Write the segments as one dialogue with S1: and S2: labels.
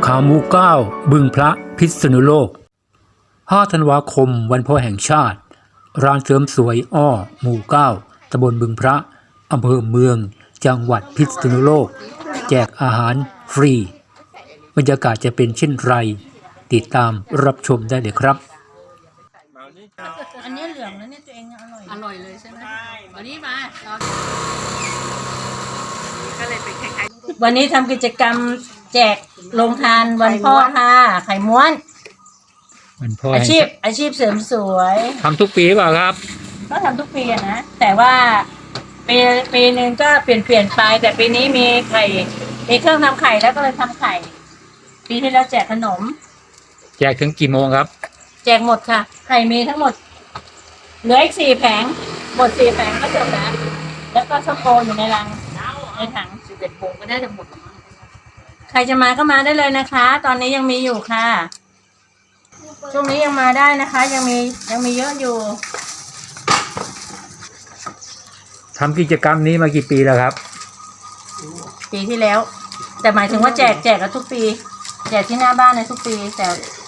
S1: ขาหมู9บึงพระพิษณุโลก5 ธันวาคมวันพ่อแห่งชาติร้านเสริมสวยอ้อหมู่9ตำบลบึงพระอำเภอเมืองจังหวัดพิษณุโลกแจกอาหารฟรีบรรยากาศจะเป็นเช่นไรติดตามรับชมได้เลยครับ
S2: อันนี้เหลืองแล้วเนี่ยตัวเองอร่อยเลยใช่ไหมวันนี้มาก็เลยเป็นคล้ายๆวันนี้ทำกิจกรรมแจกโรงทานวันพ่อค่ะไข่ม้วน
S1: วันพ่อ
S2: อาชีพเสริมสวย
S1: ทำทุกปีเปล่าครับ
S2: ก็ทำทุกปีนะแต่ว่าปีหนึ่งก็เปลี่ยนไปแต่ปีนี้มีไข่มีเครื่องทำไข่แล้วก็เลยทำไข่ปีที่แล้วแจกขนม
S1: แจกถึงกี่โมงครับ
S2: แจกหมดค่ะไข่มีทั้งหมดเหลืออีก4 แผงหมด4 แผงก็จบแล้วก็ช็อกโกอยู่ในรังในถัง11 โมงก็ได้จะหมดใครจะมาก็มาได้เลยนะคะตอนนี้ยังมีอยู่ค่ะช่วงนี้ยังมาได้นะคะยังมีเยอะอยู่
S1: ทำกิจกรรมนี้มากี่ปีแล้วครับ
S2: ปีที่แล้วแต่หมายถึงว่าแจกกันทุกปีแจกที่หน้าบ้านในทุกปีแต่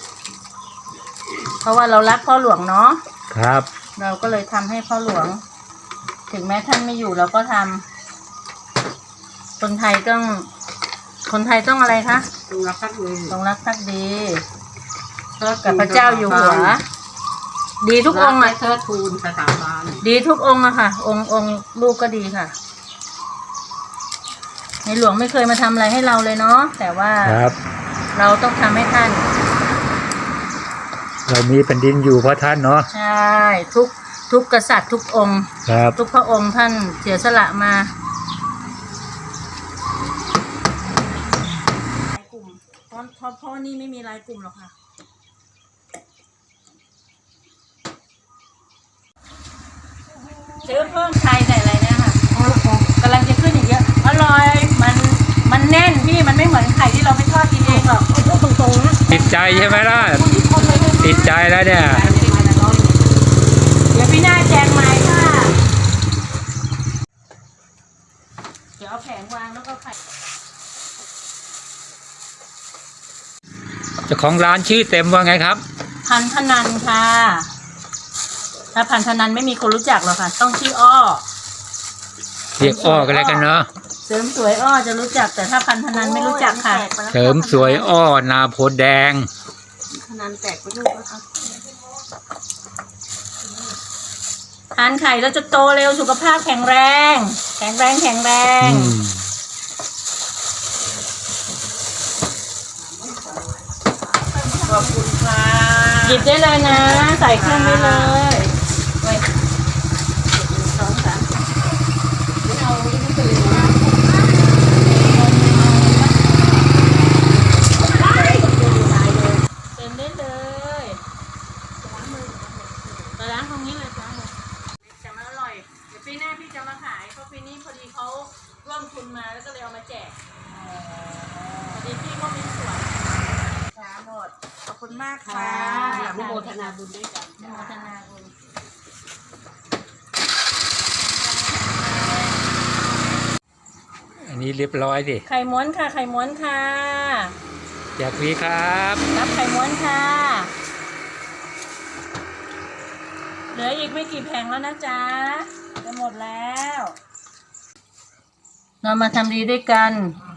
S2: เพราะว่าเรารักพ่อหลวงเนาะ
S1: ครับ
S2: เราก็เลยทำให้พ่อหลวงถึงแม้ท่านไม่อยู่เราก็ทำคนไทยต้องอะไรคะต้องรักภักดีกับพระเจ้าอยู่หัวดีทุกองค์อ่ะ
S3: เทิดทูนสถาบัน
S2: ดีทุกองค์อะค่ะองค์ลูกก็ดีค่ะในหลวงไม่เคยมาทำอะไรให้เราเลยเนาะแต่ว่าเราต้องทำให้ท่าน
S1: เรามีแผ่นดินอยู่เพราะท่านเนาะ
S2: ใช่ทุกกษัตริย์ทุกองค์ทุกพระองค์ท่านเสียสละมารายกลุ่มเพราะนี่ไม่มีรายกลุ่มหรอกค่ะซื้อเพิ่มไข่ใส่อะไรเนี่ยค่ะกำลังจะขึ้นอีกเยอะอร่อยมันแน่นพี่มันไม่เหมือนไข่ที่เราไม่ทอดกินเองหรอกพูดตรงๆนะ
S1: ติดใจใช่ไหมล่ะติดใจแล้วเนี่ย
S2: เดี๋ยวพี่หน้าแจกใหม่ค่ะเดี๋ยวเอาแผงวางแล้วก็ไข่
S1: เจ้าของร้านชื่อเต็มว่าไงครับ
S2: พันธนันค่ะถ้าพันธนันไม่มีคนรู้จักหรอกค่ะต้องชื่ออ้อ
S1: เรียกอ้อกันแล้วกันเนาะ
S2: เสริมสวยอ้อจะรู้จักแต่ถ้าพันธนันไม่รู้จักค่ะ
S1: เสริมสวยอ้อนาโพแดง
S2: ธนันแตกไปลูกแล้วค่ะทานไข่แล้วจะโตเร็วสุขภาพแข็งแรงขอบคุณค่ะหยิบได้เลยนะใส่เครื่องได้เลย2 3ไม่เอาไม่ตื่นนะเต็มได้เลยล้างตรงนี้เลยจ้าจะมาอร่อยเดี๋ยวปีหน้าพี่จะมาขายเพราะปีนี้พอดีเขาร่วมทุนมาแล้วก็เลยเอามาแจกพอดีพี่ก็มีส่วนหมดขอบคุณมากค่ะ
S3: อนุโมทนาบุญด้วยกัน
S2: อนุโมทนาบุญ
S1: อันนี้เรียบร้อยดิ
S2: ไข่ม้วนค่ะไข่ม้วนค่ะ
S1: แจกฟรีครับ
S2: รับไข่ม้วนค่ะเหลืออีกไม่กี่แผงแล้วนะจ๊ะจะหมดแล้วเรามาทำดีด้วยกัน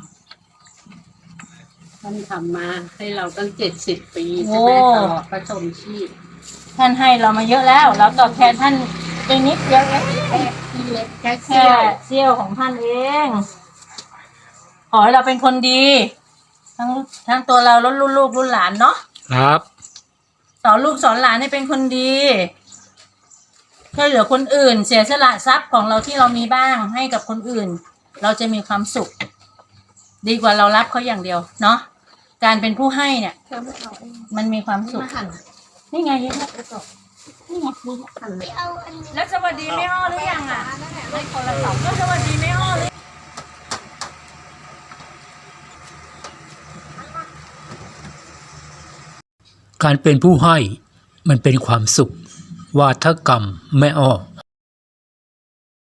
S3: ท่านทำมาให้เราตั้ง70 ปีใช่ไหมตลอดพระชนชีพ
S2: ท่านให้เรามาเยอะแล้วเราตอบแทนท่านไปนิดเดียวแค่เสี้ยวของท่านเองขอให้เราเป็นคนดีทั้งตัวเราและลูกหลานเนาะ
S1: ครับ
S2: สอนลูกสอนหลานให้เป็นคนดีช่วยเหลือคนอื่นเสียสละทรัพย์ของเราที่เรามีบ้างให้กับคนอื่นเราจะมีความสุขดีกว่าเรารับเขาอย่างเดียวเนาะการเป็นผู้ให้เนี่ยมันมีความสุขนี่ไงนี่ไงแล้วสวัสดีแม่อ้อหรือยังอ่ะไม่คนละ2ก็สวัสดีแม่อ้อเลย
S1: การเป็นผู้ให้มันเป็นความสุขวาทกรรมแม่อ้อ